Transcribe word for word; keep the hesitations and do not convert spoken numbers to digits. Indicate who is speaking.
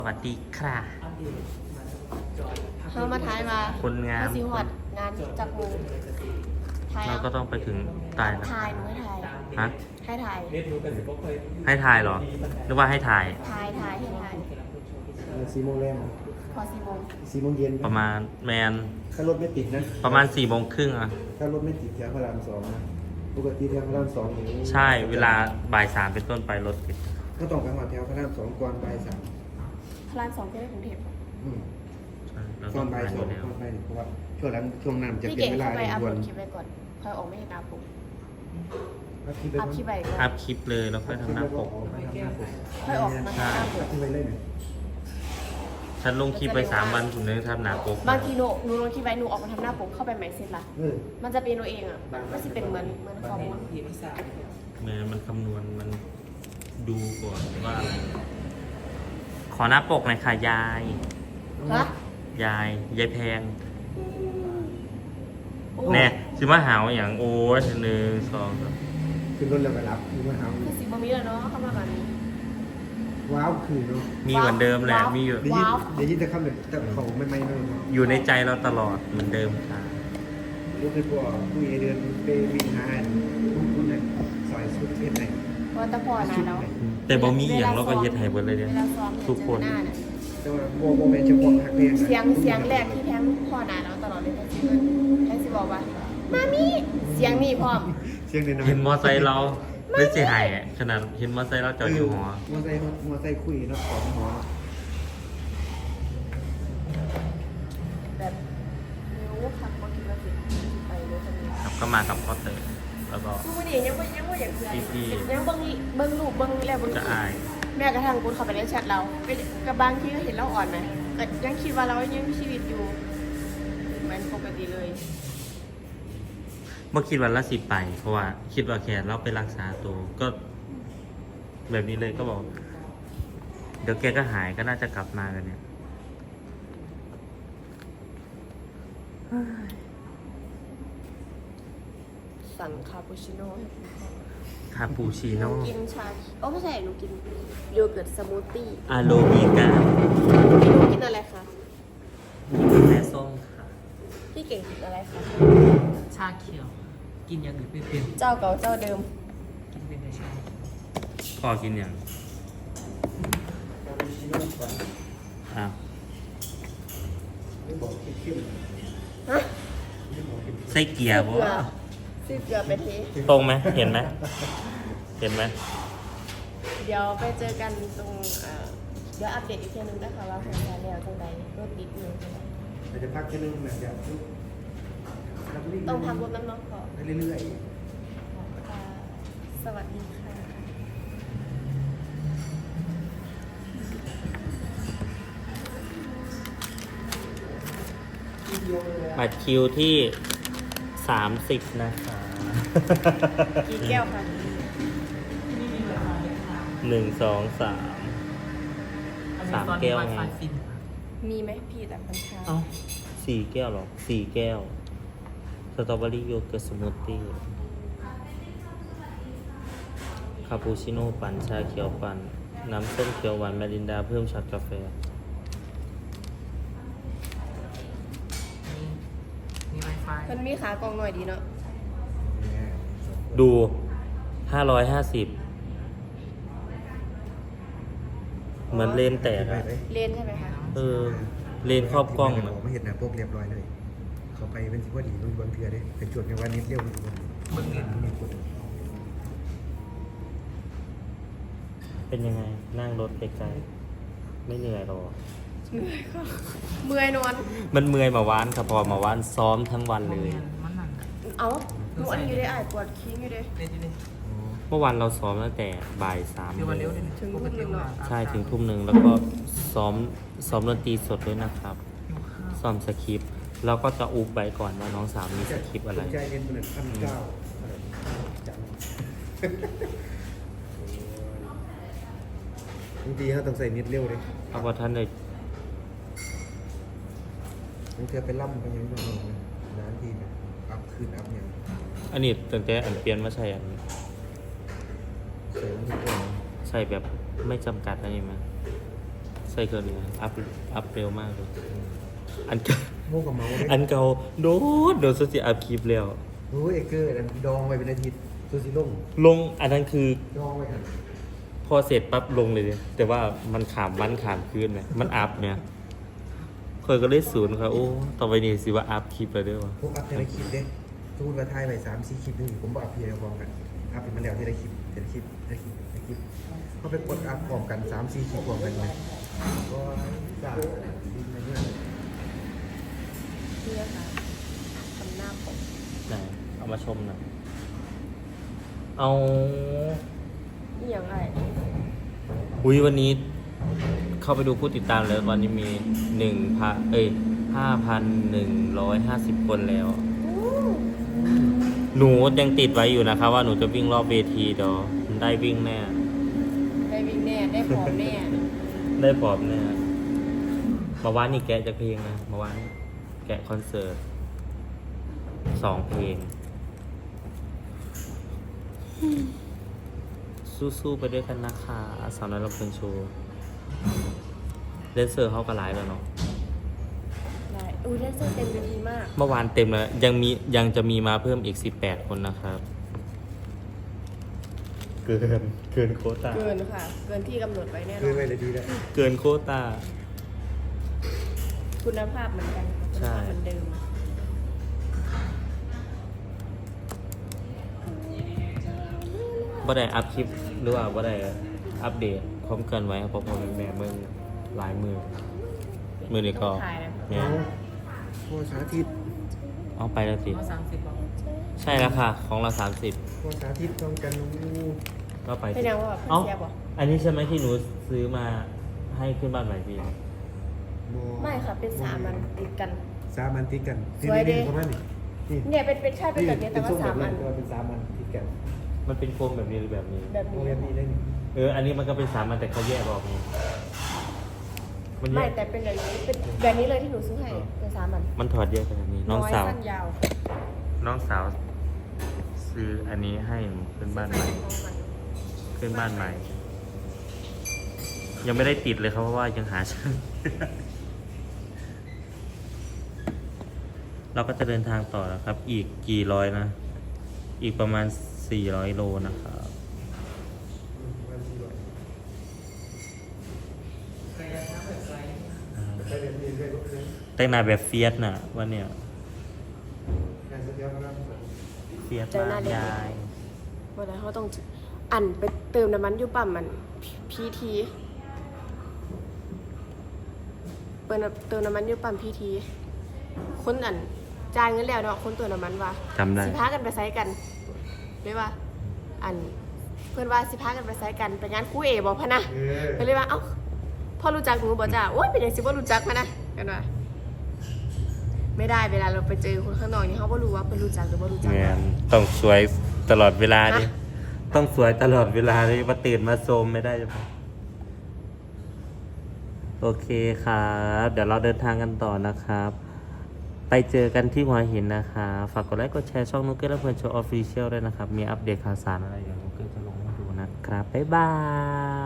Speaker 1: สวัสดีค่ะ
Speaker 2: เขามาถ่ายมา
Speaker 1: คนงาม
Speaker 2: เขสิหอดงานจับงูถ่าย
Speaker 1: เราก็ต้องไปถึงตายนะ
Speaker 2: ถ่ายหนูให้ถ่าย
Speaker 1: ฮะ
Speaker 2: ให้ถ่าย
Speaker 1: ให้ถ่ายเหรอหรือว่าให้ถ่าย
Speaker 2: ถ่ายถ่ายให้ถ่าย
Speaker 3: สี่โมงแรง
Speaker 2: พอสี่โมง
Speaker 3: สี่โมงเย็น
Speaker 1: ประมาณแมน
Speaker 3: ถ้ารถไม่ติดนะ
Speaker 1: ประมาณสี่โมงครึ่งอ่ะ
Speaker 3: ถ้ารถไม่ติดแถวพระรามสองนะปกติแถวพระรามสองอย่างนี้
Speaker 1: ใช่เวลาบ่ายสามเป็นต้นไปรถติด
Speaker 3: ก็ต้องไปหอดแถวพระรามสองก่อนบ่ายสาม
Speaker 2: พลานสองจะได้กรุงเทพ
Speaker 3: อืม
Speaker 1: ใช่เรา
Speaker 3: ก่
Speaker 1: ต้
Speaker 3: อ
Speaker 1: อน ง
Speaker 3: บ่าย
Speaker 1: ผ่าน
Speaker 3: ส
Speaker 1: อ
Speaker 3: อง
Speaker 1: ยู่แล้ว
Speaker 3: ก่อนบ่ายหนึ่งเพราะว่าช่วงนั้นช่วงนั้นจะ
Speaker 2: พี่
Speaker 3: เป็น
Speaker 2: เก่ง
Speaker 3: เวลา
Speaker 2: เข้าไป
Speaker 3: เร่ง
Speaker 2: อัพ
Speaker 3: ด่
Speaker 2: โห
Speaker 3: ว
Speaker 2: ล
Speaker 3: น
Speaker 2: ดคลิปไว้ก่อนค่อยออกไม่เห็นหน้าปก
Speaker 3: อัพคลิปไป
Speaker 2: อัพคลิปไว้ก่อน
Speaker 1: อัพคลิปเลยแล้วค่อยทำหน้าปก
Speaker 2: ค่อยออกมาทำหน้าป
Speaker 3: อั
Speaker 2: ก
Speaker 3: พคลิปไว้เลยเนี่ย
Speaker 1: ฉันลงคลิปไปสามวันถึงได้ทำหน้าปก
Speaker 2: บางทีหนูหนูลงคลิปไว้หนูออกมาทำหน้าปกเข้าไปใหม่เสร็จละ
Speaker 3: เออ
Speaker 2: มันจะเป็นหนูเองอ่ะมันจะเป็นเหมือนเหมือนคอมมูน
Speaker 1: แม่มันคำนวณมันดูก่อนว่าอะไรขอหน้าปกหน่อยค่ะยาย
Speaker 2: ฮะ
Speaker 1: ยาย ยายแพงแน่ชิมาหาวอย่างโอ้ยหนึ่งสองสาม
Speaker 3: ขึ้นรถแล้วไปรับคือมาหา
Speaker 2: คือสิบมีแล้วเนาะเข้ามาแบบนี้
Speaker 3: ว้าวคือเนาะ
Speaker 1: มีเหมือนเดิมแหละ
Speaker 2: ว้าว
Speaker 1: มีอยู่
Speaker 3: เดี๋ยวยิน
Speaker 2: ว้าว
Speaker 3: เดี๋ยวยินแต่คำแบบแต่เขาไม่ไม่เลยเนาะ
Speaker 1: อยู่ในใจเราตลอดเหมือนเดิมค่ะ
Speaker 3: รู้คือพวกผู้เอเดือนไปวิ่งหาคุณคุณเนี่ยซอยสุดเทศไหน
Speaker 2: เพราะตะพอนะเนาะ
Speaker 1: แต่บ่มีอหย่างเราก็เฮ็ดให้เบิดเลยเนี่ย
Speaker 2: วลาซ้อม
Speaker 1: ทุกคน
Speaker 2: เจอหน้าน่ะ
Speaker 3: แต่ว่าโมโมเมนต์เฉพาะทักเรียน
Speaker 2: เสียงเสียงแรกที่แพงพ่อหนาเราตลอดเลยก็คือแพงสิบอกว่ามามีเสียงนี่พร้อม
Speaker 3: เสียงเด่น
Speaker 1: เห็นมอไซค์เราไม่เสียหายอะขนาดเห็นมอไซค์เราจอดอยู่หอ
Speaker 3: มอไซค์มอไซค์คุยเนาะของหอ
Speaker 2: แบบนิ้วขับมาคิดว่าสิไปเลยคนนี้
Speaker 1: ครับก็มากับพ่อเต๋อแล้วก็
Speaker 2: ทุกวันนี้ยังไม่ยังไม่อย่างเพื่อน
Speaker 1: พี่
Speaker 2: ยังเบิ้งเบิ้งรูปเบิ้งแล้วเบิ้ง
Speaker 1: จะอาย
Speaker 2: แม่กระทั่งกูเข้าไปในแชทเราก็กับบางทีก็เห็นเราอ่อนนะแต่ยังคิดว่าเรายังมีชีวิตอยู่เหมือนปกติเลย
Speaker 1: เมื่อคิดวันละสิบไป เพราะว่าคิดว่าแค่เราไปรักษาตัวก็ แบบนี้เลยก็บอก เดี๋ยวแกก็หายก็น่าจะกลับมากันเนี่ย
Speaker 2: สั่งคาปูชิโน่ให้คุณพ่อ
Speaker 1: คาปูชิ
Speaker 2: หนู
Speaker 1: โน่
Speaker 2: กินชาโอ้ไม่ใช่หนูกินโยเกิร์ตสมูทตี้
Speaker 1: อาโลมิกา
Speaker 2: หนูกินอะไรคะ
Speaker 1: แม่ส้มค่ะ
Speaker 2: พี่เก่งกินอะไรคะ
Speaker 4: ชาเขียว กินอย่างอื่นไม่เป็น
Speaker 2: เจ้าเก่าเจ้าเดิม
Speaker 4: กินเป็นแต่ชา
Speaker 1: พ่อกินอย่างอ้าว
Speaker 3: ไม่บอกเข้ม
Speaker 2: ฮะ
Speaker 1: ไส้เกียร์บ่
Speaker 2: ซื้อเกลือไปที
Speaker 1: ตรงไหมเห็นไหมเห็นไหม
Speaker 2: เดี๋ยวไปเจอกันตรงเอ่อเดี๋ยวอัปเดตอีกทีนึงนะคะว่าผลงานแล้วจังใดรถติดอยู่จังใด
Speaker 3: แต่จะพักแค่นึงนะเดี๋ยว
Speaker 2: ต้องพักรถน้ำน้องขอ
Speaker 3: เรื่อย
Speaker 2: ค่ะสวัสดีค่ะ
Speaker 1: บัตรคิวที่สามสิบนะคะ
Speaker 2: กี่แก้วคะ
Speaker 1: หนึ่งสองสาม สามแก้วไง
Speaker 4: ไฟฟิน
Speaker 2: มีไหมพี่แต่พันชา
Speaker 1: เอ้าสี่แก้วเหรอสี่แก้ว สตรอเบอรี่โยเกิร์ตสมูทตี้คาปูชิโน่ปั่นชาเขียวปั่น น้ำส้มเขียวหวานแมรินดาเพิ่มช็อตกาแฟ
Speaker 4: มีไวไฟ
Speaker 2: มันมีขากองหน่อยดีเนาะ
Speaker 1: ดูห้าร้อยห้าสิบเหมือนเลนแตกอะ
Speaker 2: เลนใช่ไหมคะ
Speaker 1: เออ เลนครอบกล้อง
Speaker 3: อะ
Speaker 1: อะ
Speaker 3: ไม่เห็นนะพวกเรียบร้อยเลย เขาไปเป็นสิบว่าดีมันบางเทือได้เป็นจุดในวันนี้เรียวมัน
Speaker 4: เบิ่งเห็น
Speaker 3: มีคน
Speaker 1: เป็นยังไง นั่งรถไกลๆไม่เหนื่อยหรอ
Speaker 2: เมื่อยค่ะเมื่อยนอน
Speaker 1: มันเมื่อยมาวานครับพอมาวานซ้อมทั้งวันเลย
Speaker 4: มันนั่น
Speaker 2: เอาหนูอันนี้อยู่ได้อ่ายปวดคิ้งอยู่เด้
Speaker 4: เล่นอยู่เลย
Speaker 1: เมื่อวานเราซ้อมตั้งแต่บ่ายสาม
Speaker 4: เดี๋ยววันเร็วเลย
Speaker 2: ถึง
Speaker 4: ปกติ
Speaker 2: ทุ่มหนึ่งเนอะ
Speaker 1: ใช่ถึงทุ่มหนึ่งแล้วก็ซ้อมซ้อมดนตรีสดด้วยนะครับ
Speaker 4: หิวข้าว
Speaker 1: ซ้อมสคริปต์แล้วก็จะอุบไปก่อนว่าน้องสาวมีสคริปต์อะไร
Speaker 3: ใจเย็นเป็นพันเก้าจังบางทีเขาต้องใส่นิดเร็วเลย
Speaker 1: เอาว่าท่านเลย
Speaker 3: บางทีไปล่ำไปยังไงร้านทีเนี่ยอัพคืนอัพเนี่ย
Speaker 1: อันนี้ตั้งแต่อันเปลี่ยนมาใช่อัน
Speaker 3: ใส่มันทุกคน
Speaker 1: ใช่แบบไม่จำกัดอะไรมั้ย
Speaker 3: ใ
Speaker 1: ใส่เครื่องนี้อัพอัพเร็วมากเลยอันเก่า
Speaker 3: โง่กับเมาเลย
Speaker 1: อันเก่าโดดโดดสุดที่อัพคลิปแล้ว
Speaker 3: โอ้ยเอเกอร์อันดองไว้เป็นอาทิตย์ซูซิล่ง
Speaker 1: ลงอันนั้นคือ
Speaker 3: ดองไว้กัน
Speaker 1: พอเสร็จปั๊บลงเลยดิแต่ว่ามันขามวันขามคืนไหมมันอัพเนี่ยเคยก็เลยศูนย์ครับโอ้ต่อไปนี้สิว่าอัพคลิปไปด้วยวะ
Speaker 3: พวกอัพเทเลคลิปเด้สมมติว่าถ่ายไปสามสี่คลิปนึงผมบอกอัพเพียร์พร้อมกันอัพเป็นมันแล้วเทเลคลิปเทเลคลิปเทเลคลิปเทเลคลิปเขาไปกดอัพพร้อมกันสามสี่คลิปพร้อมกันเลยก็จ้าดินในเนี่ย
Speaker 2: เพื่อค่ะทำหน้าผม
Speaker 1: ไหนเอามาชมหน่อยเอา
Speaker 2: นี่อย่างไร
Speaker 1: อุ้ยวันนี้ เข้าไปดูผู้ติดตามแล้ววันนี้มีหนึ่งพันเอ้ยห้าพันหนึ่งร้อยห้าสิบคนแล้ว หนูยังติดไว้อยู่นะครับว่าหนูจะวิ่งรอบเวทีเดี๋ยวได้วิ่งแน่
Speaker 2: ได้วิ่งแน่ได้ผอมแน่
Speaker 1: ได้ปอบแน่เมาว่านนี่แกะจะเพลงนะเมาว่านแกะคอนเสิร์ตสองเพลง สู้ๆไปด้วยกันนะคะสาวน้อยลำเพลินโชว์เดนเซอร์เขาก็หลายแล้วเนาะ
Speaker 2: ได้อุ้ยแดนเซอร์เต็มเวทีมาก
Speaker 1: เมื่อวานเต็มแล้วยังมียังจะมีมาเพิ่มอีกสิบแปดคนนะครับ เกินเกินโควต้า
Speaker 2: เกินค่ะ เกินที่กำหนดไว้แน่น
Speaker 3: คือ
Speaker 2: อน
Speaker 3: ไปเลยดีแล้ว
Speaker 1: เกินโควต้า
Speaker 2: คุณภาพเหมือนกันคุณ
Speaker 1: ใช่
Speaker 2: ภาพเหมือนเดิม
Speaker 1: บ่ได้อัพคลิปหรือว่าบ่ได้อัปเดตพร้อมกันไว้เพราะพอเป็นแม่เมืองหลายมือ มือนี่ก็
Speaker 2: ต้องถ่ายนะ
Speaker 1: เนี่ย
Speaker 3: โอ้สาธิต
Speaker 1: เอาไปแล้วสิ
Speaker 4: เอาสามสิบบอก
Speaker 1: ใช่แล้วค่ะ ของเราสามสิบ
Speaker 3: โอ้สาธิตต้องกันนู
Speaker 1: ก็ไป
Speaker 2: แส
Speaker 1: สิ
Speaker 2: ดงว่าแบบเพื่อ
Speaker 1: เอ้าน
Speaker 2: เสียบ่
Speaker 1: อันนี้ใช่ไหมที่หนูซื้อมาให้ขึ้นบ้านใหม่พี่
Speaker 2: ไม่ค่ะ เป็นสามมันติดกัน
Speaker 3: สามอันติดกัน
Speaker 2: สวยดิ
Speaker 3: นี่ประมาณนี้นี่
Speaker 2: เนี่ยเป็นเป็นใช่เป็นแบบนี้แต่ว่า
Speaker 3: เป็นทรง
Speaker 2: สาม
Speaker 3: บบ
Speaker 2: อัน
Speaker 3: แต่ว่าเป็นสามอันติดกัน
Speaker 1: มันเป็นโคมแบบนี้หรือแบบนี้
Speaker 2: แบบ
Speaker 3: โอ้
Speaker 2: นี้
Speaker 3: ยอันนี้ได้นี่
Speaker 1: เออ อันนี้มันก็เป็นสามอันแต่เขาแยกออกนี่มันแย
Speaker 2: ไม่
Speaker 1: ก
Speaker 2: แต่เป็นแบบนี้เป็นแบบนี้เลยที่หนูซื้อให้เป็นสามอัน
Speaker 1: มันถอดแยกกันแบบนี้ น้องสาว
Speaker 2: ยสั้นยาว
Speaker 1: น้องสาวซื้ออันนี้ให้หนูขึ้นบ้านใหม่ ขึ้นบ้านใหม่ ยังไม่ได้ติดเลยครับเพราะว่ายังหาช่าง เราก็จะเดินทางต่อนะครับ อีกกี่ร้อยนะ อีกประมาณสี่ร้อยโลนะครับ
Speaker 3: ได้แบบนี้ด้วยก็คือ
Speaker 1: แต่งหน้าแบบเฟียสน่ะวันเนี้ย
Speaker 3: งานสุดยอดมาก
Speaker 1: เฟียสมากยาย
Speaker 2: วันนั้นเขาต้องอันไปเติมน้ำมันอยู่ปั๊มมันพีทีเปิดเติมน้ำมันอยู่ปั๊มพีทีคนอันจ่ายเงินแล้วเนาะคนเติมน้ำมันว่า
Speaker 1: จำได้
Speaker 2: สิพากันไปไซกันเลยว่า อันเพื่อนว่าสิพากันไปไซกันไปงานคู่เอบอกพะนะ
Speaker 3: เออ
Speaker 2: ก็เลยว่าเอ้าพ่อรู้จักหนูบอกจ้าโอ๊ยเป็นอย่างสิว่ารู้จักพะนะกันว่าไม่ได้เวลาเราไปเจอคนข้างนอกนี่เขาก็รู้ว่าเป็นรู้จักหรือว่ารู้จัก
Speaker 1: แมนต้องสวยตลอดเวลาดิ
Speaker 2: ฮะ
Speaker 1: ต้องสวยตลอดเวลาเลยมาตื่นมาโซมไม่ได้ใช่ไหมโอเคครับ เดี๋ยวเราเดินทางกันต่อนะครับ ไปเจอกันที่หัวหินนะคะฝากกดไลค์กดแชร์ช่องนุ๊กเกอร์และเพื่อนโชว์ออฟฟิเชียลด้วยนะครับ มีอัปเดตข่าวสารอะไรอย่างนุ๊กเกอร์จะลงให้ดูนะครับ บ๊ายบาย